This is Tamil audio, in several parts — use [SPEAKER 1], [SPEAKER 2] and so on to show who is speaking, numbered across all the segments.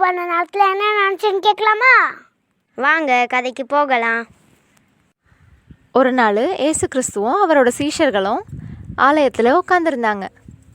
[SPEAKER 1] பண்ண நேரத்தில் என்ன நினச்சுன்னு கேட்கலாமா?
[SPEAKER 2] வாங்க கதைக்கு போகலாம்.
[SPEAKER 3] ஒரு நாள் ஏசு கிறிஸ்துவும் அவரோட சீஷர்களும் ஆலயத்தில் உட்காந்துருந்தாங்க.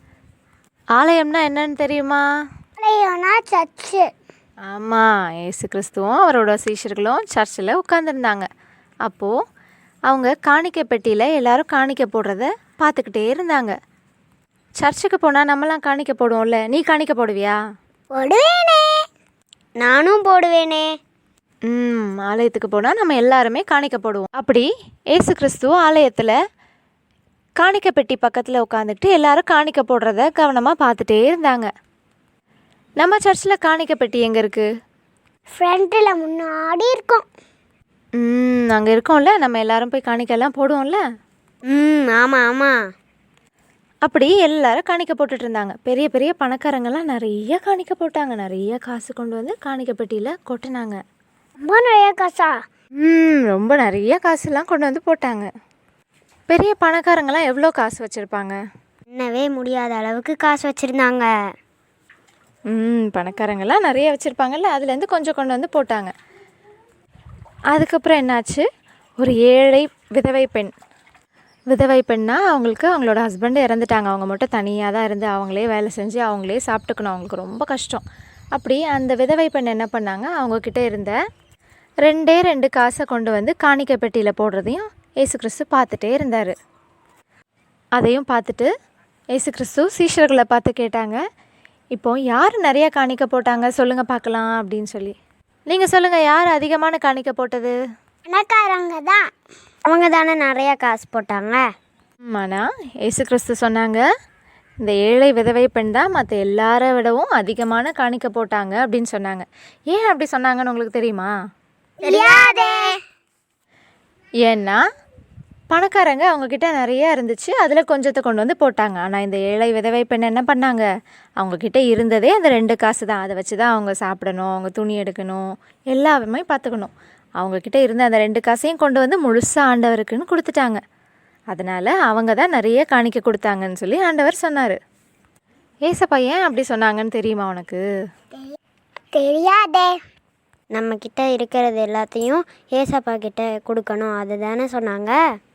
[SPEAKER 3] ஆலயம்னா என்னன்னு தெரியுமா?
[SPEAKER 1] ஆலயம்னா சர்ச்சு.
[SPEAKER 3] ஆமாம், ஏசு கிறிஸ்துவும் அவரோட சீஷர்களும் சர்ச்சில் உட்காந்துருந்தாங்க. அப்போது அவங்க காணிக்கை பெட்டியில் எல்லாரும் காணிக்கை போடுறத பார்த்துக்கிட்டே இருந்தாங்க. சர்ச்சுக்கு போனால் நம்மலாம் காணிக்கை போடுவோம்ல, நீ காணிக்கை போடுவியா?
[SPEAKER 1] போடுவேனே.
[SPEAKER 2] நானும் போடுவேனே.
[SPEAKER 3] ஆலயத்துக்கு போனால் நம்ம எல்லாருமே காணிக்கை போடுவோம். அப்படி ஏசு கிறிஸ்து ஆலயத்தில் காணிக்கை பெட்டி பக்கத்தில் உட்காந்துக்கிட்டு எல்லாரும் காணிக்கை போடுறத கவனமாக பார்த்துட்டே இருந்தாங்க. நம்ம சர்ச்சில் காணிக்கை பெட்டி எங்கே இருக்குது?
[SPEAKER 1] ஃப்ரண்ட்டில் முன்னாடி இருக்கும்.
[SPEAKER 3] அங்கே இருக்கோம்ல, நம்ம எல்லாரும் போய் காணிக்கைலாம் போடுவோம்ல.
[SPEAKER 2] ஆமாம் ஆமாம்.
[SPEAKER 3] அப்படி எல்லாரும் காணிக்கை போட்டுட்டு இருந்தாங்க. பெரிய பெரிய பணக்காரங்கெல்லாம் நிறைய காணிக்கை போட்டாங்க. நிறைய காசு கொண்டு வந்து காணிக்கை பெட்டியில் கொட்டினாங்க.
[SPEAKER 1] ரொம்ப நிறைய காசா?
[SPEAKER 3] ரொம்ப நிறைய காசுலாம் கொண்டு வந்து போட்டாங்க. பெரிய பணக்காரங்கெல்லாம் எவ்வளோ காசு வச்சுருப்பாங்க?
[SPEAKER 2] என்னவே முடியாத அளவுக்கு காசு வச்சுருந்தாங்க.
[SPEAKER 3] பணக்காரங்கெல்லாம் நிறைய வச்சுருப்பாங்கல்ல, அதுலேருந்து கொஞ்சம் கொண்டு வந்து போட்டாங்க. அதுக்கப்புறம் என்னாச்சு, ஒரு ஏழை விதவை பெண்ணா அவங்களுக்கு அவங்களோட ஹஸ்பண்ட் இறந்துட்டாங்க. அவங்க மட்டும் தனியாக தான் இருந்து அவங்களே வேலை செஞ்சு அவங்களே சாப்பிட்டுக்கணும். அவங்களுக்கு ரொம்ப கஷ்டம். அப்படி அந்த விதவை பெண் என்ன பண்ணாங்க, அவங்கக்கிட்ட இருந்த 2 காசை கொண்டு வந்து காணிக்கை பெட்டியில் போடுறதையும் ஏசு கிறிஸ்து பார்த்துட்டே இருந்தார். அதையும் பார்த்துட்டு ஏசு கிறிஸ்து சீஷர்களை பார்த்து கேட்டாங்க, இப்போ யார் நிறைய காணிக்கை போட்டாங்க சொல்லுங்கள் பார்க்கலாம் அப்படின்னு சொல்லி. நீங்கள் சொல்லுங்கள், யார் அதிகமான காணிக்கை போட்டது?
[SPEAKER 1] பணக்காரங்க தான்.
[SPEAKER 2] அவங்க தானே நிறையா காசு போட்டாங்க.
[SPEAKER 3] ஆனால் ஏசு கிறிஸ்து சொன்னாங்க, இந்த ஏழை விதவை பெண் தான் மற்ற எல்லாரை விடவும் அதிகமான காணிக்கை போட்டாங்க அப்படின்னு சொன்னாங்க. ஏன் அப்படி சொன்னாங்கன்னு உங்களுக்கு தெரியுமா?
[SPEAKER 1] தெரியாதே.
[SPEAKER 3] ஏன்னா பணக்காரங்க அவங்கக்கிட்ட நிறையா இருந்துச்சு, அதில் கொஞ்சத்தை கொண்டு வந்து போட்டாங்க. ஆனால் இந்த ஏழை விதவை பெண் என்ன பண்ணாங்க, அவங்கக்கிட்ட இருந்ததே அந்த 2 காசு தான். அதை வச்சு தான் அவங்க சாப்பிடணும், அவங்க துணி எடுக்கணும், எல்லாமே பார்த்துக்கணும். அவங்கக்கிட்ட இருந்த அந்த 2 காசையும் கொண்டு வந்து முழுசாக ஆண்டவருக்குன்னு கொடுத்துட்டாங்க. அதனால் அவங்க தான் நிறைய காணிக்கை கொடுத்தாங்கன்னு சொல்லி ஆண்டவர் சொன்னார். ஏசப்பா ஏன் அப்படி சொன்னாங்கன்னு தெரியுமா உனக்கு?
[SPEAKER 1] தெரியாதே.
[SPEAKER 2] நம்மக்கிட்ட இருக்கிறது எல்லாத்தையும் ஏசப்பா கிட்ட கொடுக்கணும், அது தானே சொன்னாங்க.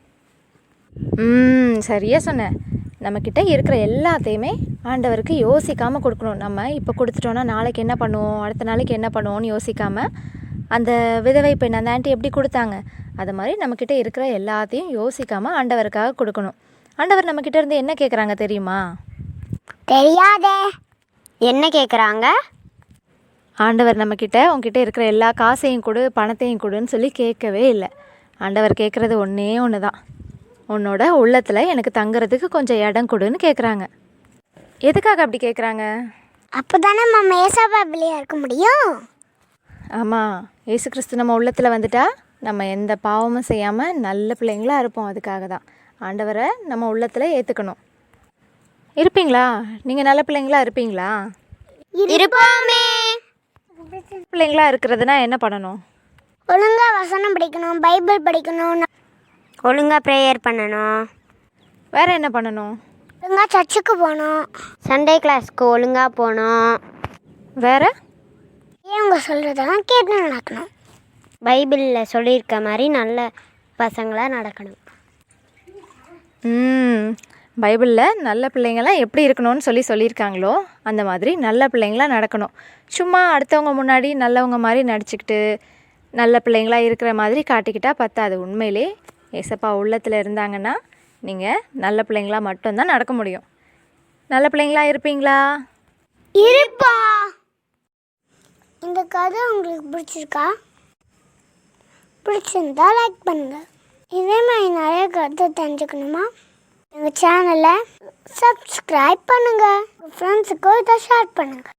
[SPEAKER 3] சரியாக சொன்னேன். நம்மக்கிட்ட இருக்கிற எல்லாத்தையுமே ஆண்டவருக்கு யோசிக்காமல் கொடுக்கணும். நம்ம இப்போ கொடுத்துட்டோன்னா நாளைக்கு என்ன பண்ணுவோம், அடுத்த நாளைக்கு என்ன பண்ணுவோன்னு யோசிக்காமல், அந்த விதவை பெண் அந்த ஆண்டி எப்படி கொடுத்தாங்க, அது மாதிரி நம்மக்கிட்ட இருக்கிற எல்லாத்தையும் யோசிக்காமல் ஆண்டவருக்காக கொடுக்கணும். ஆண்டவர் நம்மக்கிட்ட இருந்து என்ன கேட்குறாங்க தெரியுமா?
[SPEAKER 1] தெரியாதே.
[SPEAKER 2] என்ன கேட்குறாங்க?
[SPEAKER 3] ஆண்டவர் நம்மக்கிட்ட உங்ககிட்ட இருக்கிற எல்லா காசையும் கொடு, பணத்தையும் கொடுன்னு சொல்லி கேட்கவே இல்லை. ஆண்டவர் கேட்குறது ஒன்றே ஒன்று தான், உன்னோட உள்ளத்தில் எனக்கு தங்குறதுக்கு கொஞ்சம் இடம் கொடுன்னு கேட்குறாங்க. எதுக்காக அப்படி கேட்குறாங்க?
[SPEAKER 1] அப்போ தானே நம்ம ஏசப்பா பிள்ளையாக இருக்க முடியும்.
[SPEAKER 3] ஆமாம், ஏசு கிறிஸ்து நம்ம உள்ளத்தில் வந்துட்டா நம்ம எந்த பாவமும் செய்யாமல் நல்ல பிள்ளைங்களாக இருப்போம். அதுக்காக தான் ஆண்டவரை நம்ம உள்ளத்தில் ஏற்றுக்கணும். இருப்பீங்களா? நீங்கள் நல்ல பிள்ளைங்களா இருப்பீங்களா?
[SPEAKER 2] இருப்போமே.
[SPEAKER 3] பிள்ளைங்களா இருக்கிறதுனா என்ன பண்ணணும்?
[SPEAKER 1] ஒழுங்காக வசனம் படிக்கணும், பைபிள் படிக்கணும்,
[SPEAKER 2] ஒழுங்காக ப்ரேயர் பண்ணணும்.
[SPEAKER 3] வேறு என்ன பண்ணணும்?
[SPEAKER 1] ஒழுங்காக சர்ச்சுக்கு போகணும்,
[SPEAKER 2] சண்டே கிளாஸ்க்கு ஒழுங்காக போகணும்.
[SPEAKER 3] வேறு
[SPEAKER 1] அவங்க சொல்கிறதெல்லாம் கேட்டு நடக்கணும்.
[SPEAKER 2] பைபிளில் சொல்லியிருக்க மாதிரி நல்ல பசங்களாக நடக்கணும்.
[SPEAKER 3] பைபிளில் நல்ல பிள்ளைங்களாம் எப்படி இருக்கணும்னு சொல்லியிருக்காங்களோ அந்த மாதிரி நல்ல பிள்ளைங்களாக நடக்கணும். சும்மா அடுத்தவங்க முன்னாடி நல்லவங்க மாதிரி நடிச்சுக்கிட்டு நல்ல பிள்ளைங்களாக இருக்கிற மாதிரி காட்டிக்கிட்டா பத்தாது. உண்மையிலே ஏசப்பா உள்ளத்தில் இருந்தாங்கன்னா நீங்கள் நல்ல பிள்ளைங்களாக மட்டும்தான் நடக்க முடியும். நல்ல பிள்ளைங்களாக இருப்பீங்களா?
[SPEAKER 1] இருப்பா. இந்த கதை உங்களுக்கு பிடிச்சிருக்கா? பிடிச்சிருந்தா லைக் பண்ணுங்க. இதே மாதிரி நிறைய கருத்தை தெரிஞ்சுக்கணுமா, எங்கள் சேனலை சப்ஸ்கிரைப் பண்ணுங்கள், ஃப்ரெண்ட்ஸுக்கும் இதை ஷேர் பண்ணுங்கள்.